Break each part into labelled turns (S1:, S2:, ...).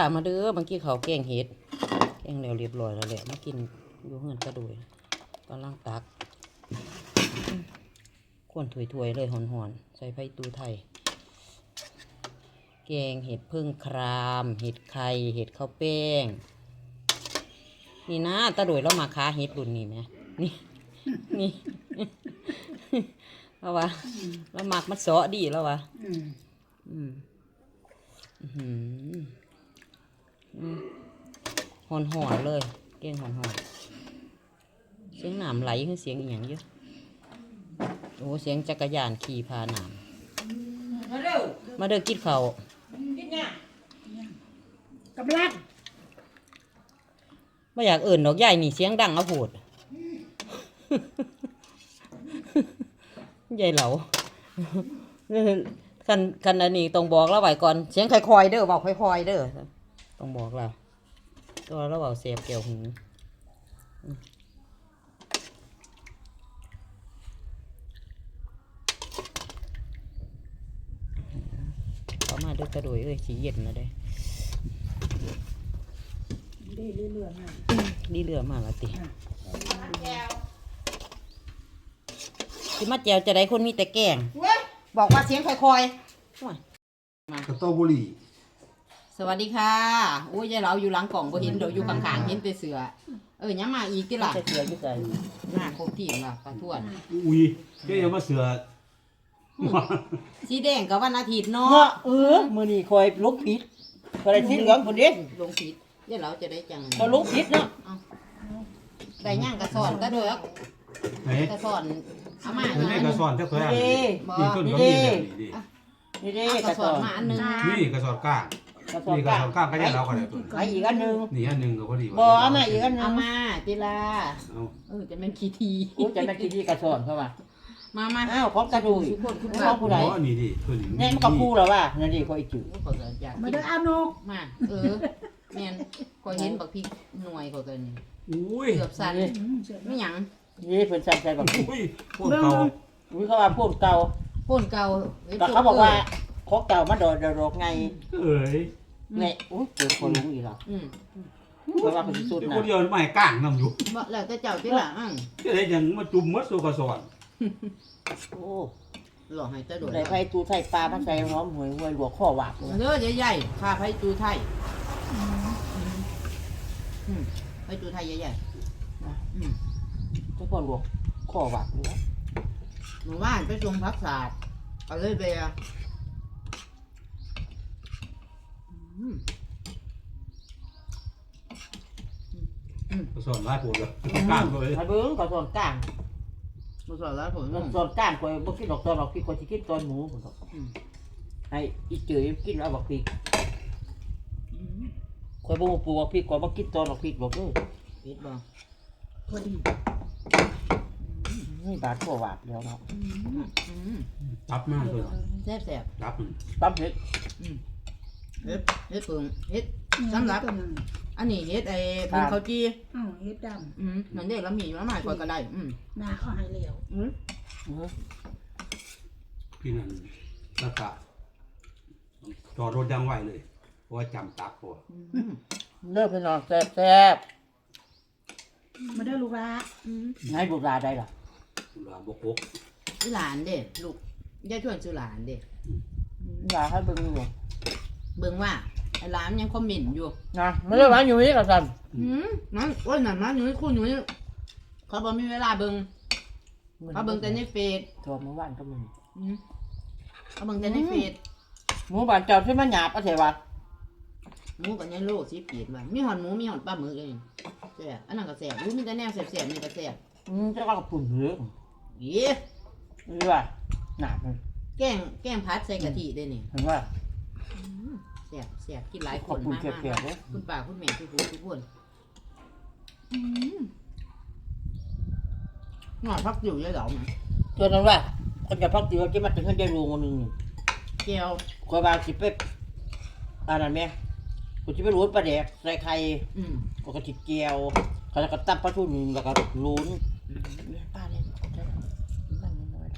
S1: มาเด้อเมื่อกี้เขาแกงเห็ดแกงแล้วเรียบร้อยแล้วแหละมากินอยู่เฮือนกระดุยกำลังตักขวนถวยๆเลยหอนๆใส่ไผ่ตูไทยแกงเห็ดพึ่งครามเห็ดไข่เห็ดข้าวแป้งนี่นะตาดุยเรามาค้าเห็ดรุ่นนี้ไหมนี่แล้ววะแล้วหมักมันเสาะดีแล้ววะหอนเลยเก่งหอนเสียงหนามไหลคือเสียงอีหยังเยอะโอ้เสียงจักรยานขี่พาหนามมาเด้อกินข้าวกินเนี่ยกำลังไม่อยากเอิ่นดอกใหญ่นี่เสียงดังเอาโหดใหญ่เหลาคันอันนี้ต้องบอกเราไว้ก่อนเสียงค่อยๆเด้อบอกค่อยๆเด้อต้องบอกเราตัวเราเอาเสียบเกี่ยวหูเขามาด้วยกระโดยสีเย็นนะเด้ดีเรือมาละติที่มาแจวจะได้คนมีแต่แกงบอกว่าเสียงค่อยๆ
S2: กระโตบุรี
S1: สวัสดีค่ะโอ้ยยายเราอยู่หลังกล่องบ่เห็นเดี๋ยวอยู่ข้างๆเห็นแต่เสือยังมาอีกที่ล่ะเสืออยู่ไสหน้าครบทีมล่ะปลาทวน
S2: อุ้ยแกยังมาเสือ
S1: สีแดงกับวันอาทิตย์เนาะ
S3: มื้อนี้คอยลุกผิดก็ได้สีเหลืองพุ่นเด้
S1: ลงผิดยายเราจะได้จัง
S3: ก็ลุกผิดเนาะ
S1: ได้ย่างกระสอนก็เด้อกระสอนเอามา
S2: นี่กระสอนเจ้าแควนี่ต้นก็มีแบบนี้ดิ
S3: นี่เด้
S1: กระสอนมาอันนึง
S2: นี่กระสอนก้างนี่กระสอนก้างก็ยังเราก็ได้ต้น
S3: ไอ้อีกอันนึง
S2: นี่อันนึงก็พอดี
S3: บ่เอามาอีกอันนึง
S1: เอามาติลาจะเป็นขี้ที
S3: จะเป็นขี้ทีกระสอนเข้ามา
S1: มา
S3: อ้าวของกระดูกของผู้ใด
S2: อ๋อนี่ดิตัวนี้
S3: นี่มันก็คู่แล้วว่านั่นดิคอยจืด
S1: มาเด้ออาโนกมาแม่นคอยเห็นบักพริกหน่วยกว่ากันนี่
S2: อุ้ย
S1: เกือบสั่นไม่หยัง
S3: นี่เพิ่นสั่นใจบัก
S2: อุ้ยพวกเก่า
S3: อุ้ยเขาว่าพวกเก่าแต่เขาบอกว่าของเก่ามันโดดไงเนี่ยอุ้ยเกิดคนรู้อีกแล้วเพราะว่าเป็นสุดนะ
S2: คนเดียวไม่ก้างนำอยู่
S1: บ่แล้วแต่เจ้าที่หลัง
S2: จะได้ยังมาจุ่มมัดตัวกระสอน
S3: โอ้
S1: หลอกให้เจ้าโดด
S3: ใส่ไผ่ตูไทยปลามันใส่หอมหวยหลวกข้อหวาบ
S1: เด้อใหญ่ๆข้าไผ่ตูไทยไผ่ตูไทยใหญ่
S3: เจ้าพ่อหลวกข้อหวาบเลย
S1: หมู่บ้านไปทรงพักศาสตร์เอาเลยไป
S2: กระสอนร้ายปวดเลยก้างเลย
S3: ไอ้เบิ้งกระสอนก้าง
S1: กระสอนร้ายผม
S3: กระสอนก้างคอยบ่กินดอกตอนดอกพี่คอยสิกินตอนหมูผมบอกให้อีเจ๋ยกินเอาบักพริกคอยบ่ปลูกบักพริกคอยบ่กินตอนดอกพริกบอก
S1: พิษบ่
S3: พอดีนี่บาดข้อหวาบแล้วเนาะ
S2: ตับมากเลย
S1: แซ่บ
S2: ตับ
S3: ตับเห็ด
S1: เห็ดเพิ่งเห็ดสำหรับอันนี้เห็ดไอ้เป็นข้าวจี
S4: เห็ดด
S1: ำนั่นเด็กแล้วมีแล้วหมายคอยก็ได้
S4: หน้าเขาให้เหลว
S2: พี่นั่นตะกะจอดรถยังไหวเลยเพราะว่าจำตักตัว
S3: เลิกไปนอนแซ่บ
S4: มาได้ลูกละ
S3: ให้บุตรได้หรอ
S2: บุตรบก
S1: หลานเด็กลูกยายชวนชื่อหลานเด็ก
S3: อยากให้เบิ่งอยู่
S1: เบิ่งว่าไอ้หลานยังคอมเมนต์อยู่
S3: นะไม่ได้ร้านอยู่นี่กับสัน
S1: นั่นว่านั่นนะอยู่นี่คุณอยู่นี่เขาบอกมีเวลาเบิ่งเขาเบิ่งแต่ในเฟซ
S3: โทรมาบ้านก็มึง
S1: เขาเบิ่งแต่ในเฟซ
S3: หมูบ้านเจ้าที่มันหยาบก็เถอะวะ
S1: หมูกับยังโลสีเปียกว่ามีหอนหมูมีหอนปลาหมึกเลยแซ่บอันนั้นก็แซ่บรู้มีแต่แนวแซ่บๆนี่ก็แซ่บ
S3: จะว่ากับปุ่นเยอะ
S1: ยี่
S3: นี่ว่าหนามัน
S1: แกงพัดใส่กะทิได้นี่
S3: เห็นว่า
S1: แซ่บกินหลายคนมากคุณป้าคุณแม่ทุกคนหน่อยพักอยู่ยังเหรอไหม
S3: จนนั้นว่าคนจะพักอยู่ที่มันถึงขั้นใจรูงนึง
S1: เกี๊ยว
S3: คอยบางสิเป๊ะอะไรไหมกูจะไปรูนปลาแดกใส่ไข่ก็จิเกียวเขาจะกระตับปลาทูนึงแล้วก็รูนป้าเนี่ยมันน้อย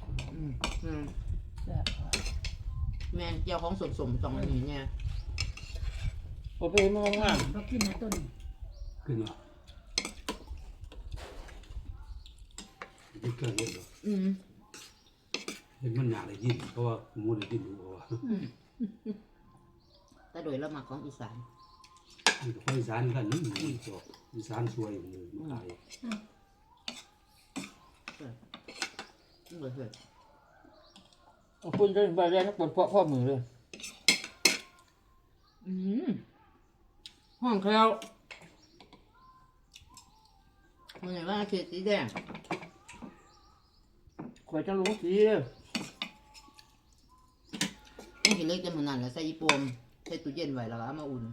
S1: แม่เกี๊ยวของสมๆตรงนี้เนี่ย
S3: โอ้ผมไปมองงาม
S4: เรากินนะต้น
S2: ขึ้นว่าที่เกิดเห็นหรอ
S1: อืม
S2: เห็นมันอยากได้ยินเพราะว่ามูได้ยินอยู่เพราะว่า
S1: แต่โดยละหมักของอีสาน
S2: คนอีสานกันนี่อีสานสวยเลยมาขาย
S1: เบื่อเบื่อ
S3: คุณจะไปเรียนนักบอลพ่อมือเลย
S1: ห้องแคลวมันไหนว่าเขียดสีแดง
S3: คอยจะรู้สิ
S1: นี่เห็นเล็กจะเหมือนนั่นแหละใส่ยีโปมใส่ตู้เย็นไว้แล้วก็เอามาอุ่น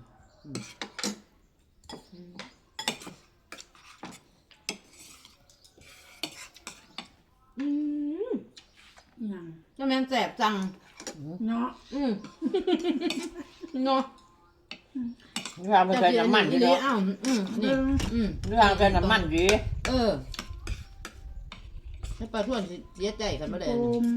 S4: ยัง
S1: เจ้าแม่นแสบจัง
S4: เนาะ
S1: เนาะ
S3: นี่วางไปใส่น้ำมันดี
S1: ดี
S3: เนาะ
S1: อ้าวนี่
S3: นี่วางใส่น้ำมันดี
S1: ให้ปลาท่วนเสียใจกันมาเลย
S4: โอม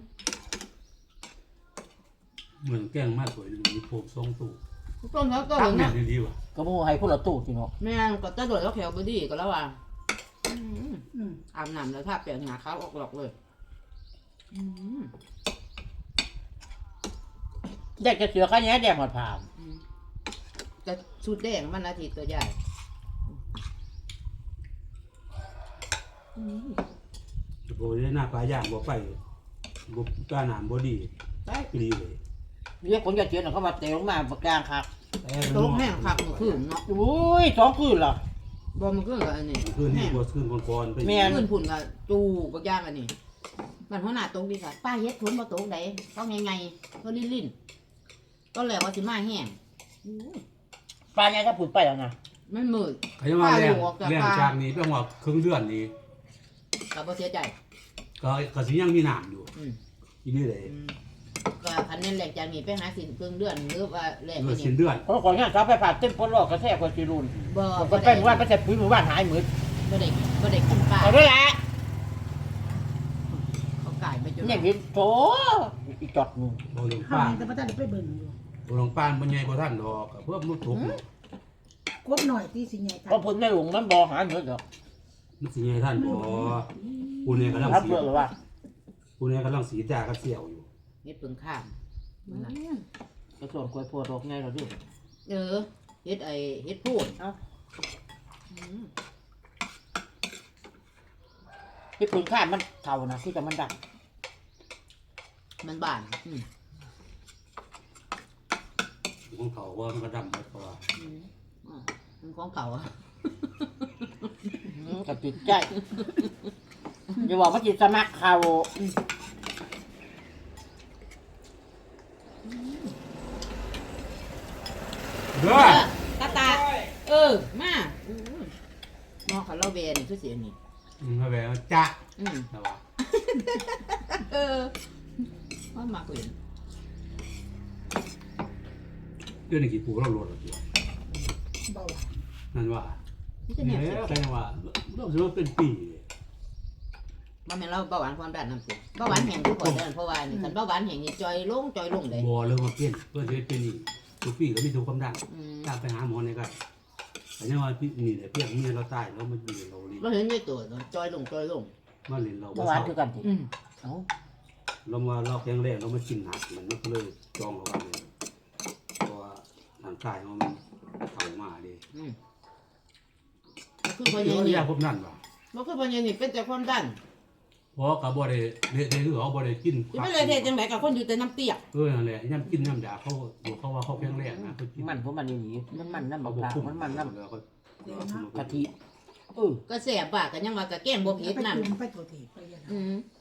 S2: เหมือนแกงมากสวยมีโฟมทรงตู้
S1: ต้นเขาก็
S2: ตั้ง
S1: เลย
S2: แม่
S1: นะ
S2: นดีว่ะ
S3: ก็มูให้คนละตู้สิเนาะ
S1: แม่งก็จะโดดแล้วแขวบดีก็แล้วว่า
S4: อืม
S1: อาบน้ำแล้วถ้าเปลี่ยนหนาขาวออกหลอกเลย
S3: แดกจะเสือข้าแย่แดกหมดผ่าน
S1: จะชุดแดงมันอาทิตย์ตัวใหญ่
S2: โบได้หน้าปลาย่างบ่ไปบ่กล้าหนามบ่ดี
S1: ได้
S2: ดีเลย
S3: เรียกคนจะเจียนเขามาเตะลงมาปากกลางครับ
S1: โต๊ะแห้งขักเมื่อคืนเนาะ
S3: อุ้ย2 คืนเหรอบ
S1: อมันก็อันนี้
S2: คืนนี้บ่คืนก่อนๆไป
S1: คืนผุ่นกับจูบกย่างอันนี้มันหัวหน้าโต๊ะดีค่ะป้าเฮ็ดทุนมาโต๊ะไหนต้องไงก็ลิ้นก็แล้วว่าสิมาแห้ง
S3: ปลาเนี่ยถ้าผุดไปแล้วนะ
S1: มันมืด
S2: เขาจะมาแรงแรงจากนี้เป็นว่าครึ่งเดือนนี้
S1: กับบ่เสียใจ
S2: ก็สิยังมีน้ำอยู่อีนี่เลย
S1: ก็คันนั้นแหลกจากนี้ไปหาสินเพิ่งเดือนหรือว่าแหลก
S2: เมื่
S1: ไป
S2: อสิ้
S1: นี่
S2: นเดือน
S3: เพราะก่อนงานเขาไปผ่าเต็มพ้นรอกกระแทกกว่าจีรุน
S1: บ่
S3: ก็ไปหมู่บ้านไปแต่ปุ๋ยหมู่บ้านหายหมืด
S1: บ่ได้กินปลา
S3: เอาด้วยละ
S1: เขาไก่ไปจน
S3: เนี่ยวิโถอีจอดมึง
S2: บ่ลง
S4: ข้าว
S2: ป้าน
S4: แต่พระเจ้าได้ไปเบิ่งอยู่
S2: บ่ลงป้านบ่ใหญ่บ่ทันดอกเพิ่มลูกทุก
S4: กบหน่อยที่สิใหญ่
S3: เพราะผลไม่หลงมันบ่หายหมืดหรอก
S2: มันสิใหญ่ท่านบ่ผู้นี้กำลัง
S3: ครับ
S2: สี
S3: เพื่อหรือว่า
S2: ผู้นี้กำลังสีจากระเสี่ยวอยู่
S1: นี่เพิ่งข้าม
S3: กระส่วนกล้วยพวดออกไงเราดิ
S1: เฮ็ดพูด
S3: ที่ปืนข้ามมันเท่านะคือจะมันดัก
S1: มันบาน
S2: ของเขาว่ามันก็ดำหมดเพราะว่า
S1: มันของเก่าอ่ะ
S3: กับติดใจอย่าบอกว่าจิตสมัครเขา
S2: เด้อ
S1: ตามาน้องเขาเล่าเวนี่คือเสียนี่
S2: มาแบบจ้าแต่ว่า
S1: ว่ามาคุย
S2: เรื่องนี้กี่ปูเราโหลดแล้วตัว
S4: เบาหวาน
S2: นั่นว่า
S1: นี่จะ
S2: เนี่
S1: เนี่ย
S2: ยใครว่าเราจะว่าเป็นปี
S1: มันเป็นเราเบาหวานความดันน้ำเสียเบาหวานแห้งทุกคนเดินเพราะว่านี่คันเบาหวานแห้งนี่จอยลงเลย
S2: บ่เริ่มมาเปลี่ยนเพื่อจะเป็นนี่ทุกปีก็มีทุกความดันถ้าไปหาหมอเนี่ยก็แต่ยังว่าพี่นี่เนี่ยเพียงเมียเราตายแล้วมันอยู่เราลิ้น
S1: เราเห็นในตัวจอยลง
S2: มาลิ้นเรา
S3: เมื่อวานคือกันสิเอ้า
S2: เรามาเราแข็งแรงเรามากินหนักมันก็เลยจองเขาว่าเนี่ยเพราะว่าร่างกายมันเข่ามาดิ
S1: คือพอ
S2: เดี๋
S1: ยั
S2: ยว
S1: งนี่
S2: ยาพวกนั้นว่ะ
S1: มันคือพอยังนี่เป็นแต่ความดัน
S2: เพราะกับบ่ได้เละคือเขาบ่ได้กิน
S1: จะไม่เลยเทจังไหนกับคนอยู่แต่น้ำเปียก
S2: นั่นแหละย่ำกินย่ำด่าเขาบอกเขาว่าเขาแข็งแรงนะเขากิน
S3: มันเพราะมันอย่างนี้มันน้ำ
S2: เขา
S3: มะ
S2: บ
S3: พ
S2: อก
S3: ร้าว
S2: คุ้ม
S3: มันน้
S2: แล้วก็
S3: ำกะทิเออ
S1: ก็แสบปากกันยังว่ากับแกงบัวเผ็ด
S4: ไป
S1: นั่น
S4: จุ่มไปตัวทีไปยัน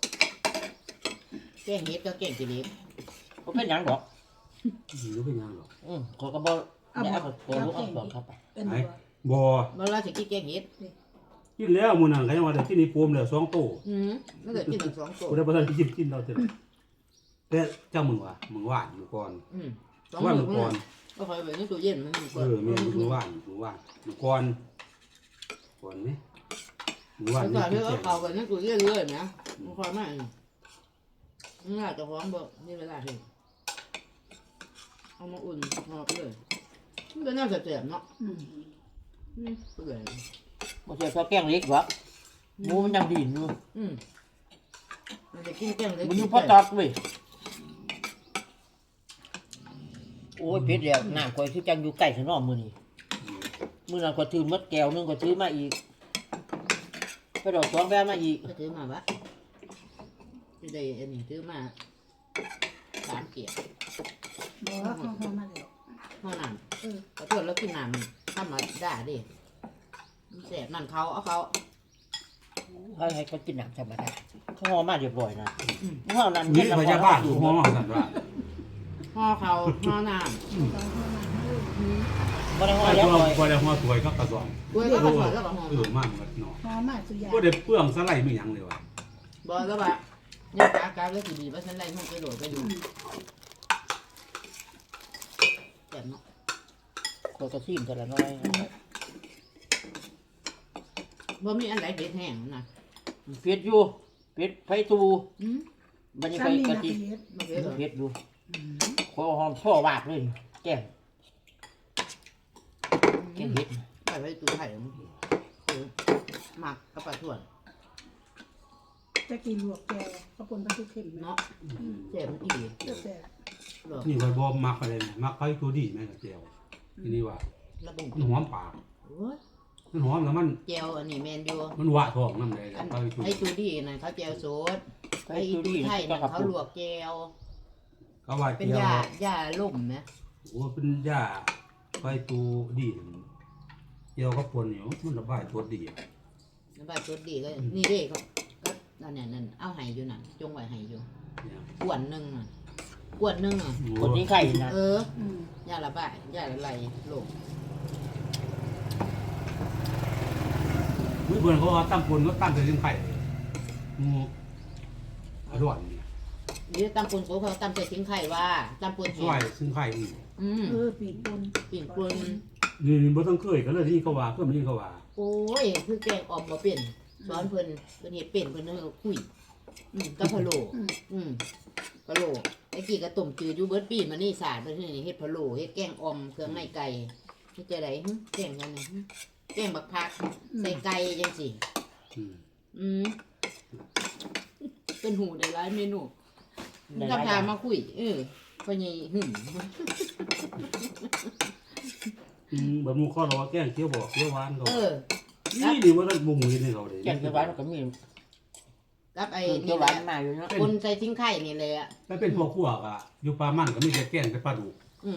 S1: แกงเห็ดก็แกงจิเล็ก
S3: ก็เป็นอย่างดอก
S2: รู้เป็นยังหรอก
S3: เขาก็บอกเดี๋ยวเอาตัวลูกเอาตัวเข้าไป
S4: เป็น
S2: ไอ้
S4: บ่
S2: บ่
S1: เมื่อเราจะกินแกงเห็ด
S2: กินแล้วมื้อนั้นก็ยังว่าได้กินนี่ปมแล้ว2โต
S1: มันเกิดกินถึง2ตัว
S2: บ่ได้บ่ทันกินเราเท่าแต่เจ้ามึงว่ะมึงว่านอยู่ก่อน
S1: 2
S2: ว่าน
S1: มื้
S2: มึงก่อน
S1: ก็คอยไปในตู้เย็นมัน
S2: แม่มึงว่านมึงว่านมึงก่อนนี่มึงว่าน
S1: ก่อน
S2: นี่
S1: ที่เขาเข้าไปในตู้เย็นเลยนะมันคอยมานี่อาจจะพร้อมบ่นี่เวลาเห็นเอามาอุ่นหอบเลยก็น่าจะเจ็บเนาะ
S4: อืม
S1: เปื่อย
S3: บ่ใช่เพราะแกงเล็กหรอกหมูมันยังดีอยู่
S1: มันจะกินแกงเลย
S3: มันอยู่พอตัดเว้ยโอ้ยเผ็ดแล้วน้ำข่อยคือจังอยู่ใกล้ซะเนาะมื้อนี้มื้อนั้นก็ถือหมดแก้วนึงก็ถือมาอีกไปดอกสองแบมาอีก
S1: ก็ถือมาวะที่ได้อันนี้ถือมา3 เกียร์
S4: บอกว่าเขามาแล้ว
S1: เท่านั้นขอโทษแล้วกินน้ำธรรมดาดิแสบนั่นเขาเอาเขา
S3: ให้เขากินน้ำธรรมดาเขาห่อมาเรียบร้อยนะเฮานั้น
S2: นี่พยาบาลอยู่ห้องสั่นว่า
S1: ห่อเขาห่อน้
S3: บ่ได้ห่อ
S2: ไอ้
S3: แล้ว
S2: ตัว
S3: หน่อย
S2: บ่ได้หัวถวยก็กระสอบ
S1: ำด้วยก็กระสวยแล้วก็ห่อ
S2: มันก็เนาะ
S4: หอมมากสุดยา
S2: บ่ได้เปลืองสไลด์ไม่หยังเลยว่ะ
S1: บอกแล้วว่าเนี่ยกาแล้วสิดีว่าฉันไล่ห้องไปโหลดไปดูแสบเนาะ
S3: ก็กระซิมแต่ละน้อย
S1: บ่มีอันไหนเผ็ดแห้งนะ
S3: เผ็ดอยู่เผ็ดไผตู บัดนี้
S4: ซ้ำ
S3: ไป
S4: นี่
S3: กะ
S4: นะ
S3: ทิ
S4: เฮ็ด
S1: มันเผ็ดเหรอ
S3: เผ็ดอยู่ขอหอมช่อวาดเลยแก้มแก้มเผ็ด
S1: ไปไว้ตู้ไข่หมักกระปะถ่วน
S4: จะกินลวกแกวข้าวปุ้นปลาทูเค็มเนาะ
S1: เนาะแสบมันอีก
S4: แซ่บ
S1: หรอ
S2: นี่ก็บ่มักอะไรนะมักไปตัวดีแม่กับเจียวทีนี้ว่า
S1: ระบุ
S2: มันหอมปาก
S1: โอ้ย
S2: มันหอมแล้วมัน
S1: เจลอันนี้แมนยู
S2: มันหวะท้องนำได้
S1: อัน
S2: ไปตัว
S1: ไอ้จูดี้นั่นเขาเจลโซด
S3: ไผ
S1: ไอ้
S3: ตู
S1: จู
S3: ดี
S1: ไทย
S3: ก็
S1: นั่น
S3: ขับ
S1: เขาลวกเจล
S2: เขาว่า
S1: เป็น
S2: เจียวย
S1: าล่มนะ
S2: โอ้เป็นยาไปตัวดีเจียวก็ปนอยู่มันระบายตัวดี
S1: น้ำปลาตัวดีก็นี่เด้ก็นั่นเนี่ยนั่นเอาไห้อยู่นั่นจงไว้ไห้อยู่
S2: เนี่ย
S1: ขวดหนึ่งอ่ะขวดหนึ่งอ่ะ
S3: คนที่ไข่นะ
S1: เออยาละบายยาละไหลโลก
S2: มื้อเบิ่นเขาว่าตั้งปนก็ตั้งแต่ยังไข่งูอร่อย
S1: นี่ตำปูนโซ่เขาตำใส่ทิ้งไข่ว่าตำปูน
S2: ส
S1: แห้
S2: วย
S1: ง
S2: ซึ่งไข่อีก
S4: ปีกปุ้น
S1: ปิ่นปูน
S2: นี่บ่ต้องเคยกันเลยที่เขาว่าเพิ่นนี่เขาว่า
S1: โอ้ยคือแกงออมบ่เป็นสอนเพิ่นเฮ็ดเป็นเพิ่นเฮาคุยกับพะโล้พะโล้ไอ้กี้ก็ต้มจืดอยู่เบิดปีมานี่สาดเพิ่นนี่เฮ็ดพะโล้เฮ็ดแกงออมเครื่องในไก่เฮ็ดจังได๋แกงจังได๋แกงบักผักใส่ไก่จังซี่
S2: อืม
S1: เป็นหูได้หลายเมนูทำทามาคุยพ่อใหญ่หึ่ม
S2: แบบหมูข้อเราว่าแกงเขียวบอกเขียวหวานเขา
S1: ครับ
S2: นี่ว่าท่านมุงเห็นให้เขาเลย
S3: แก้มเขียวหวานก็มี
S1: กับไอ้
S3: เขี
S1: นี่
S3: ยวห
S1: แห
S3: วา
S1: ละ
S3: นมาอยู่เนาะ
S1: คนใส่ทิ้งไข่นี่เลยอ่ะ
S2: ถ้าเป็นพวกขั่วก็อยู่ปลามันก็มีแต่แกงกับปลาดุก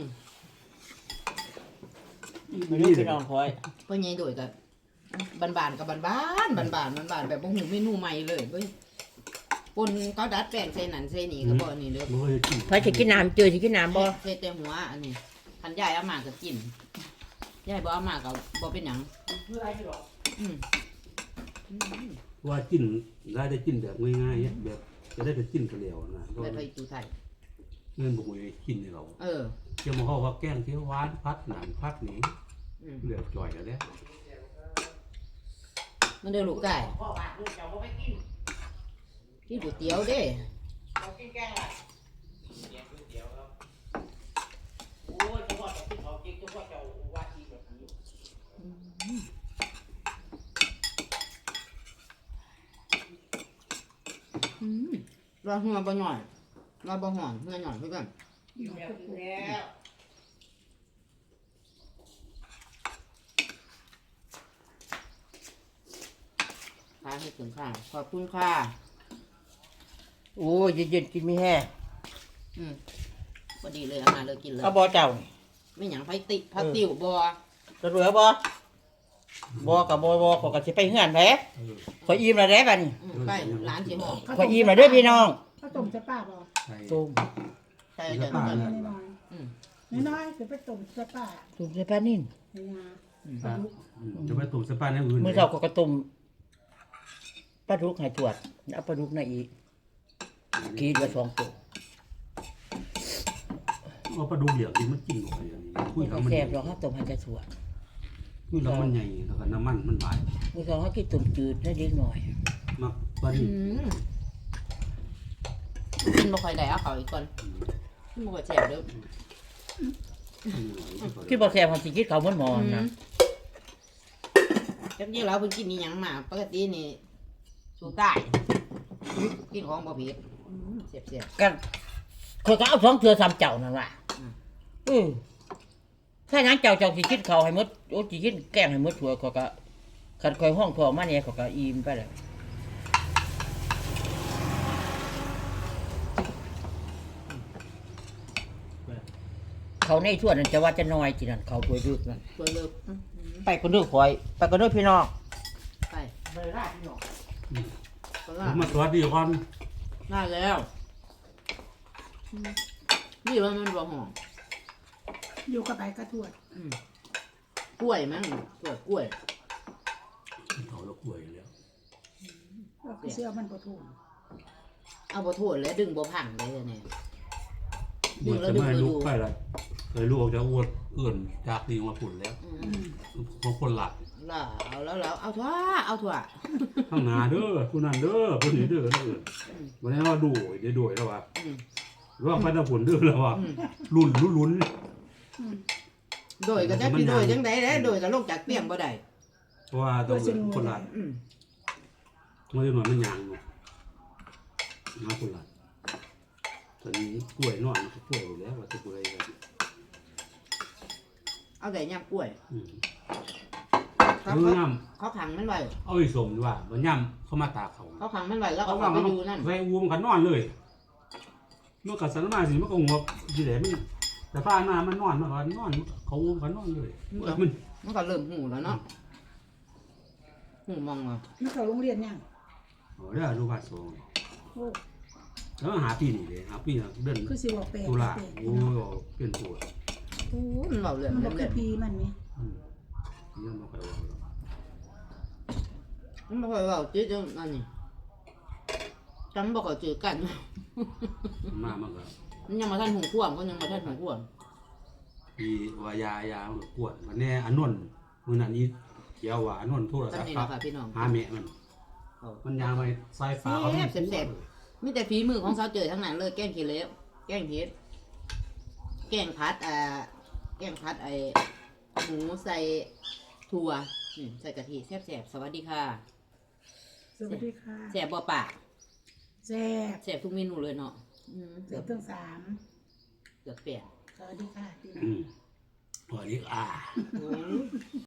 S3: ไม่รู้พี่น้องคอย
S1: พ่อใหญ่โดยกับบ้านๆกับบ้านๆบ้านๆแบบบ่หูเมนูใหม่เลยเว้ยคนเขาดัดแปลงใส่นั่นใส่นี่ก็บ่อันนี้เด้อ
S2: บ่เคยกิน
S3: ไผสิกินน้ำเจอสิกินน้ำบ่
S1: ใส่แต่หัวอันนี้คันยายเอามาก็กินยายบ่เอามาก็บ่เป็นหยังอืม
S2: ว่ากินได้กินแบบง่ายๆแบบจะได้ไปกินกันแล้วนะก็
S1: ไปตูไทย
S2: เงินบ่เคยกินให้เรา
S1: Ừ.
S2: เกี่ยวมาเขาว่าแกงเขียวหวานพัดหนังพัดนี้
S1: Ừ.
S2: เหลือจ่อยแล้วเนี่ย
S1: Nó đều lục cải. Cái hủ tiếu đấy. Ra hoa bao nhỏ. Ra bao hòn, hoa nhỏ thôi cần. Kháให้ถึงค่ะขอบคุณค่ะ
S3: โอ้ยเย็นๆกินไม่แห้ง
S1: พอดีเลยเอามาเลยกินเลย
S3: เอาบ่เจ้านี่
S1: ไม่หยังไฟติพัดติ๋วบอ
S3: จะเหลือบ่บ่กับบ่ขอยก็สิไปเฮือนแหละขอยอิ่มแล้วแหละบัดนี้
S1: ไปร้านสิหอม
S3: ขอยอิ่มแล้วเด้อพี่น้อง
S4: ข้าวต้มจะป้าบ่
S2: ใช่
S3: ต้ม
S1: ใช่จะ
S4: น้อยน้อยๆคือไปต้มจะป้า
S3: ต้มใส่ปลานิ่น
S4: ในงา
S2: จะไปตุ่มสปาในอื่น
S3: มื้อเช้าก็ต้มปลาดุกให้ตรวจเอาปลาดุกน่ะอีกกินละ2ตัว
S2: เอาปลาดุกเหลี่ยมที่มันกินหน่อยอย่างนี้คุยแล้วมัน
S3: แซ่บดอกครับต้มให้จะตรวจ
S2: คุยแล้วมันใหญ่แล้วก็น้ำมันมันหลาย
S3: มื้อเช้าเขากินต้มจืดได้เล็กน้อย
S2: มักปลาดิบ
S1: กินบ่ค่อยได้เอาเขาอีกคนมันบ่ค่อยแซ่บเด้อ
S3: คิดบ่แซ่บความสิคิดเขาเหมือนหมอนะ
S1: จักนี้เราเพิ่นกินนี่หยังมาปกตินี่สูใต้กินของบ่ผิดเสียบ
S3: กันคนก็เอา2เทื่อ3เจ้านั่นว่ะถ้าหยังเจ้าสิคิดเขาให้หมดโอ้สิคิดแกงให้หมดถั่วเขาก็คันคอยห้องทอมาเนี่ยเขาก็อิ่มไปแล้วเขาในทั่วนั่นจะว่าจะน้อยจีนั่นเขาป่วยดึกนั่น
S1: ๆตัวเลิก
S3: ไปคนเด้อคอยไปคนเด้อพี่น้อง
S1: ไป
S3: ไปได้พี่น้อง
S1: ก็
S2: ผ
S1: ล่าม
S2: มาสวัสดีก่อน
S1: ได้แล้วนี่ว่ามันบ่หอม
S4: อยู่กับไปกระถวด
S1: กล้วยมั้งกล้วย
S2: เขาเราป่วยแล้ว
S4: แล้วก็เสื้อมันบ่ถูก
S1: เอาบ่โทษแล้วดึงบ่พังได้แน่
S2: เมื่อจะไม่ลุกไปละเลยลูกจะอ้วนเอื่นจากดีมาฝุ่นแล้วบางคนหลับ
S1: ล่ะเอาเอาถั่วเอาถั่ว
S2: ข้างหน้าเด้อผู้นั้นเด้อผู้นี้เด้อนั่นเอื่นวันนี้ว่าดูเดี๋ยวดูแล้วว่าว่าไปตะฝุ่นเด้อแล้วว่าลุ้น
S1: โดยก็จะพี่โดยจังได๋แหละโดยก็ลงจากเตียงบ่ได้
S2: เพราะว่าต้องคนหลับเมื่อหน่อยมันยางเนาะมาคนหลับตอนนี้กล้วยนอนมันก็กล้วยอยู่แล้วว่าจะกล้วยกัน
S1: เอาแต่ย่ำกล้วย
S2: เออย่
S1: เขาขังมันไว้
S2: ำเอาอีสมดีกว่ามันย่ำเข้ามาตาเขา
S1: เขาขังมันไว้แล้วก็
S2: เขา
S1: เอา
S2: ว่า
S1: ไป
S2: มัน
S1: ดูนั่น
S2: ใส่อูมันกันนอนเลยเมื่อกัดสันมาสิมันก็หัวจีแหลมันแต่ป้ามามันนอนมันก็นอนเขาอูมันนอนเลยมัน
S1: มันก็เริ่มหูแล้วเนาะหูมองว่า
S4: มันเข้าโรงเรียนยัง
S2: โอ้เด้อลูกบาทสอง
S4: โอ้
S2: แล้วหาปีนี่เลยหาปีน่ะเดิน
S4: คือสิว่าแปลก
S2: ตุลา
S4: แปลก
S2: โอ้เปลี่ยนตัว
S1: โอ้มันเบาเรื่อง
S4: มันบ่
S1: เรื่
S4: คือ อง พีมันนี่
S2: นี่มันก็
S1: มันบ่ค่อยเบาจืดจังอันนี้จำบ่ค่อยจืดกัน
S2: มามันก็
S1: มันยังมาท่านหูข่วงก็ยังมาท่านหูข่วง
S2: ปีว่ายามันก็ปวดมันแน่อันนนมือนั้นอีเกี่ยวว่าอันนนโทรศั
S1: ตั้
S2: พ
S1: ง
S2: ท์
S1: นี่
S2: ครั
S1: นะ
S2: บ
S1: ค่ะพี่น้อง
S2: หาแม่มันยางไปสายฟ้าเขา
S1: มีแต่ฝีมือของสาวเจอทั้งนั้นเลยแกงขี้เหล็กแกงเห็ดแกงพัดแกงพัดไอหมูใส่ถั่วใส่กะทิแซ่บๆสวัสดีค่ะ
S4: สวัสดีค่ะ
S1: แซ่บบ่ปาก
S4: แซ่บ
S1: แซ่บทุกเมนูเลยเนาะ
S4: เสือทั้ง3
S1: เกือบเปลี่ยน
S4: สวัสดีค่ะพี่น้อง
S2: วันนี้